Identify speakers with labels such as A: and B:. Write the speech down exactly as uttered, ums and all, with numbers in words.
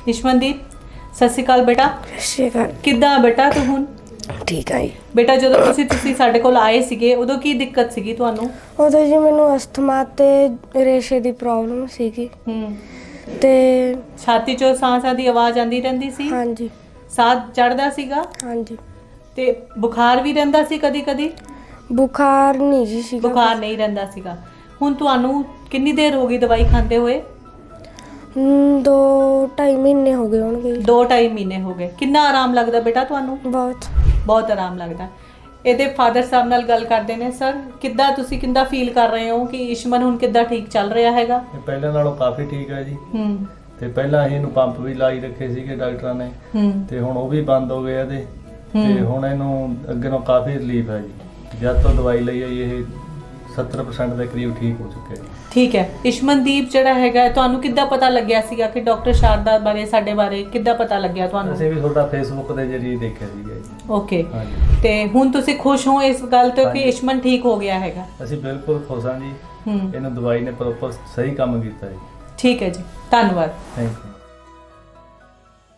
A: ਇਸ਼ਮਨਦੀਪ ਸਤਿ ਸ਼੍ਰੀ ਅਕਾਲ ਬੇਟਾ।
B: ਸਤਿ ਸ਼੍ਰੀ ਅਕਾਲ।
A: ਕਿੱਦਾਂ ਬੇਟਾ ਤੂੰ ਹੁਣ?
B: ਠੀਕ ਆ ਜੀ।
A: ਬੇਟਾ ਜਦੋਂ ਤੁਸੀਂ ਤੁਸੀਂ ਸਾਡੇ ਕੋਲ ਆਏ ਸੀਗੇ ਉਦੋਂ ਕੀ ਦਿੱਕਤ ਸੀਗੀ ਤੁਹਾਨੂੰ?
B: ਉਦੋਂ ਜੀ ਮੈਨੂੰ ਅਸਥਮਾ ਤੇ ਰੇਸ਼ੇ ਦੀ ਪ੍ਰੋਬਲਮ ਸੀਗੀ
A: ਹੂੰ
B: ਤੇ
A: ਛਾਤੀ ਚੋਂ ਸਾਹ ਦੀ ਆਵਾਜ਼ ਆਂਦੀ ਰਹਿੰਦੀ ਸੀ?
B: ਹਾਂਜੀ
A: ਸਾਹ ਚੜਦਾ ਸੀਗਾ
B: ਹਾਂਜੀ।
A: ਤੇ ਬੁਖਾਰ ਵੀ ਰਹਿੰਦਾ ਸੀ ਕਦੀ ਕਦੀ?
B: ਬੁਖਾਰ ਨਹੀਂ ਜੀ ਸੀਗਾ।
A: ਬੁਖਾਰ ਨਹੀਂ ਰਹਿੰਦਾ ਸੀਗਾ। ਹੁਣ ਤੁਹਾਨੂੰ ਕਿੰਨੀ ਦੇਰ ਹੋ ਗਈ ਦਵਾਈ ਖਾਂਦੇ ਹੋਏ?
B: ਹਮ, ਦੋ ਢਾਈ ਮਹੀਨੇ ਹੋ ਗਏ ਹੋਣਗੇ।
A: ਦੋ ਢਾਈ ਮਹੀਨੇ ਹੋ ਗਏ। ਕਿੰਨਾ ਆਰਾਮ ਲੱਗਦਾ ਬੇਟਾ ਤੁਹਾਨੂੰ?
B: ਬਹੁਤ
A: ਬਹੁਤ ਆਰਾਮ ਲੱਗਦਾ। ਇਹਦੇ ਫਾਦਰ ਸਾਹਿਬ ਨਾਲ ਗੱਲ ਕਰਦੇ ਨੇ। ਸਰ ਕਿੱਦਾਂ ਤੁਸੀਂ ਕਿੰਦਾ ਫੀਲ ਕਰ ਰਹੇ ਹੋ ਕਿ ਇਸ਼ਮਨ ਹੁਣ ਕਿੱਦਾਂ ਠੀਕ ਚੱਲ ਰਿਹਾ ਹੈਗਾ?
C: ਇਹ ਪਹਿਲਾਂ ਨਾਲੋਂ ਕਾਫੀ ਠੀਕ ਹੈ ਜੀ।
A: ਹੂੰ
C: ਤੇ ਪਹਿਲਾਂ ਅਸੀਂ ਇਹਨੂੰ ਪੰਪ ਵੀ ਲਾਈ ਰੱਖੇ ਸੀਗੇ ਡਾਕਟਰਾਂ ਨੇ,
A: ਹੂੰ
C: ਤੇ ਹੁਣ ਉਹ ਵੀ ਬੰਦ ਹੋ ਗਏ ਇਹਦੇ। ਤੇ
A: ਹੂੰ।
C: ਹੁਣ ਇਹਨੂੰ ਅੱਗੇ ਨਾਲੋਂ ਕਾਫੀ ਰਿਲੀਫ ਹੈ ਜੀ। ਜਦ ਤੋਂ ਦਵਾਈ ਲਈ ਹੈ ਇਹ ਸੱਤਰ ਪਰਸੈਂਟ ਦੇ ਕਰੀਬ ਠੀਕ ਹੋ ਚੁੱਕਿਆ ਜੀ।
A: ਠੀਕ ਹੈ। ਇਸ਼ਮਨਦੀਪ ਜਿਹੜਾ ਹੈਗਾ ਤੁਹਾਨੂੰ ਕਿੱਦਾਂ ਪਤਾ ਲੱਗਿਆ ਸੀਗਾ ਕਿ ਡਾਕਟਰ ਸ਼ਾਰਦਾ ਬਾਰੇ ਸਾਡੇ ਬਾਰੇ ਕਿੱਦਾਂ ਪਤਾ ਲੱਗਿਆ ਤੁਹਾਨੂੰ?
C: ਅਸੀਂ ਵੀ ਤੁਹਾਡਾ ਫੇਸਬੁੱਕ ਦੇ ਜ਼ਰੀਏ ਦੇਖਿਆ ਸੀਗਾ ਜੀ।
A: ਓਕੇ।
C: ਹਾਂਜੀ।
A: ਤੇ ਹੁਣ ਤੁਸੀਂ ਖੁਸ਼ ਹੋ ਇਸ ਗੱਲ ਤੋਂ ਕਿ
C: ਹਾਂਜੀ।
A: ਇਸ਼ਮਨ ਠੀਕ ਹੋ ਗਿਆ ਹੈਗਾ?
C: ਅਸੀਂ ਬਿਲਕੁਲ ਖੁਸ਼ ਹਾਂ ਜੀ।
A: ਹੂੰ
C: ਇਹਨੂੰ ਦਵਾਈ ਨੇ ਪ੍ਰੋਪਰ ਸਹੀ ਕੰਮ ਕੀਤਾ ਜੀ।
A: ਠੀਕ ਹੈ ਜੀ, ਧੰਨਵਾਦ।
C: Thank you.